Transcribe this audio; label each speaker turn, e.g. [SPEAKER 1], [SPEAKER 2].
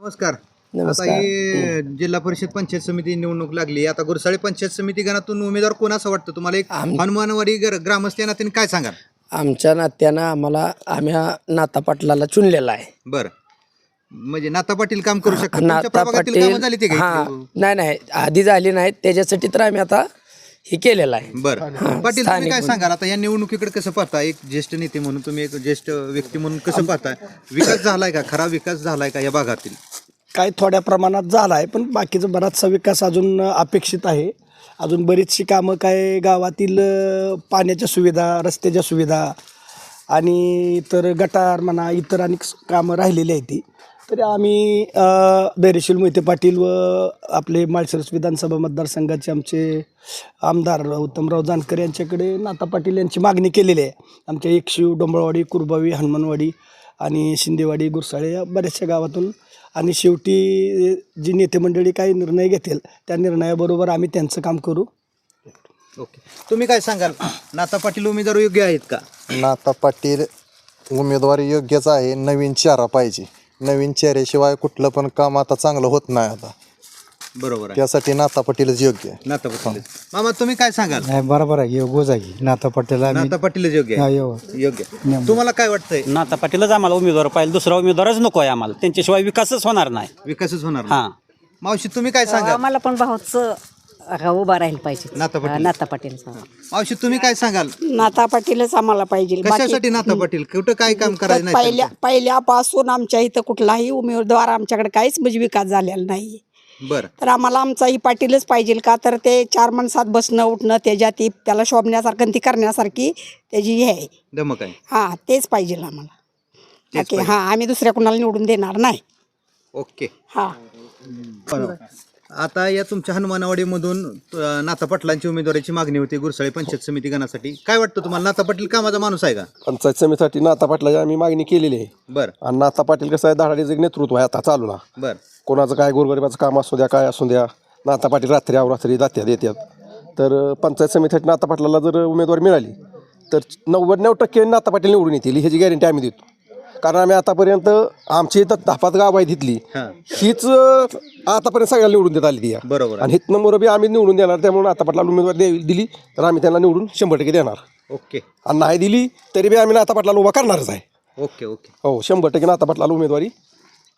[SPEAKER 1] नमस्कार.
[SPEAKER 2] नमस्कार.
[SPEAKER 1] आता ही जिल्हा परिषद पंचायत समिती निवडणूक लागली. आता गुरसाळे पंचायत समिती गणातून उमेदवार कोण असं वाटतं तुम्हाला? एक हनुमानवाडी ग्रामस्थ या नात्याने काय सांगाल?
[SPEAKER 2] आमच्या नात्यानं आम्ही नाता पाटलाला चुनलेला आहे.
[SPEAKER 1] बरं, म्हणजे नाता पाटील काम करू शकतात.
[SPEAKER 2] नाता
[SPEAKER 1] तुमच्या प्रभागातील कामं झाली ते
[SPEAKER 2] पाटील
[SPEAKER 1] का?
[SPEAKER 2] नाही आधी झाली नाही, त्याच्यासाठी तर आम्ही आता हे केलेलं आहे.
[SPEAKER 1] बरं पाटील, तुम्ही काय सांगाल आता या निवडणुकीकडे कसं पाहता? एक ज्येष्ठ नेते म्हणून तुम्ही, एक ज्येष्ठ व्यक्ती म्हणून कसं पाहताय? विकास झालाय का? खरा विकास झालाय का या भागातील?
[SPEAKER 3] काही थोड्या प्रमाणात झाला आहे, पण बाकीचा बराचसा विकास अजून अपेक्षित आहे. अजून बरीचशी कामं काय गावातील पाण्याच्या सुविधा, रस्त्याच्या सुविधा आणि इतर गटार म्हणा, इतर अनेक कामं राहिलेली आहेत ती. तरी आम्ही धैर्यशील मोहिते पाटील व आपले माळशिरस विधानसभा मतदारसंघाचे आमचे आमदार उत्तमराव जानकर यांच्याकडे नाता पाटील यांची मागणी केलेली आहे. आमच्या एकशिव, डोंबळवाडी, कुरबावी, हनुमानवाडी आणि शिंदेवाडी, गुरसाळे या बऱ्याचशा गावातून. आणि शेवटी जी नेते मंडळी काही निर्णय घेतील त्या निर्णयाबरोबर आम्ही त्यांचं काम करू.
[SPEAKER 1] ओके, तुम्ही काय सांगाल? नाता पाटील उमेदवार योग्य आहेत का?
[SPEAKER 4] नाता पाटील उमेदवारी योग्यच आहे. नवीन चेहरा पाहिजे. नवीन चेहऱ्याशिवाय कुठलं पण काम आता चांगलं होत नाही आता.
[SPEAKER 1] बरोबर आहे,
[SPEAKER 4] त्यासाठी नाता पाटीलच योग्य आहे.
[SPEAKER 1] नाता पाटील. मामा, तुम्ही काय सांगाल?
[SPEAKER 5] नाही, बरोबर आहे, योग्य जागी नाता पाटील
[SPEAKER 1] नाता पाटीलच योग्य आहे. योग्य. तुम्हाला काय वाटतंय?
[SPEAKER 6] नाता पाटीलच आम्हाला उमेदवार पाहिजे, दुसरा उमेदवारच नको आहे आम्हाला. त्यांच्याशिवाय विकासच होणार नाही.
[SPEAKER 1] विकासच होणार
[SPEAKER 6] हा.
[SPEAKER 1] नाही. मावशी, तुम्ही काय सांगाल?
[SPEAKER 7] आम्हाला पण भाऊचं उभा राहील पाहिजे.
[SPEAKER 1] नाता पाटील.
[SPEAKER 7] नाता पाटील.
[SPEAKER 1] मावशी, तुम्ही काय सांगाल?
[SPEAKER 8] नाता पाटीलच आम्हाला पाहिजे.
[SPEAKER 1] कशासाठी नाता पाटील? कुठं काय काम करायचं नाही?
[SPEAKER 8] पहिल्यापासून आमच्या इथं कुठलाही उमेदवार आमच्याकडे काहीच म्हणजे विकास झालेला नाही.
[SPEAKER 1] बरं,
[SPEAKER 8] तर आम्हाला आमचाही पाटीलच पाहिजे. का तर ते 4 माणसात बसणं उठणं, त्याच्यात त्याला शोभण्यासारखं आणि ती करण्यासारखी त्याची हे आहे.
[SPEAKER 1] दमक आहे.
[SPEAKER 8] हां, तेच पाहिजे आम्हाला.
[SPEAKER 1] तेच
[SPEAKER 8] ओके, हां, आम्ही दुसऱ्या कुणाला निवडून देणार नाही.
[SPEAKER 1] ओके.
[SPEAKER 8] हां.
[SPEAKER 1] आता या तुमच्या हनुमानवाडीमधून नाता पाटलांची उमेदवारीची मागणी होती गुरसाळे पंचायत समिती गणासाठी. काय वाटतं तुम्हाला? नाता पाटील कामाचा माणूस आहे का?
[SPEAKER 9] पंचायत समितीसाठी नाता पाटलाची आम्ही मागणी केलेली आहे.
[SPEAKER 1] बरं
[SPEAKER 9] आणि नाता पाटील कसं आहे, धडाडीचं एक नेतृत्व आहे आता चालू ना.
[SPEAKER 1] बरं,
[SPEAKER 9] कोणाचं काय गोरगरिबाचं काम असू द्या, काय असू द्या, नाता पाटील रात्री अवरात्री दात्यात येतात. तर पंचायत समितीसाठी नाता पाटलाला जर उमेदवारी मिळाली तर 99% नाता पाटील निवडून येतील, ह्याची गॅरंटी आम्ही देतो. कारण आम्ही आतापर्यंत आमची इथं 10-5 गाव आहे तिथली, हीच आतापर्यंत सगळ्याला निवडून देत आली ती.
[SPEAKER 1] बरोबर.
[SPEAKER 9] आणि हित नंबर आम्ही निवडून देणार. त्यामुळे नाता पाटलाला उमेदवारी दिली तर आम्ही त्यांना निवडून 100% देणार.
[SPEAKER 1] ओके.
[SPEAKER 9] आणि नाही दिली तरी बी आम्ही नाता पाटलाला उभा करणारच आहे.
[SPEAKER 1] ओके. ओके.
[SPEAKER 9] हो, 100% नाता पाटलाला उमेदवारी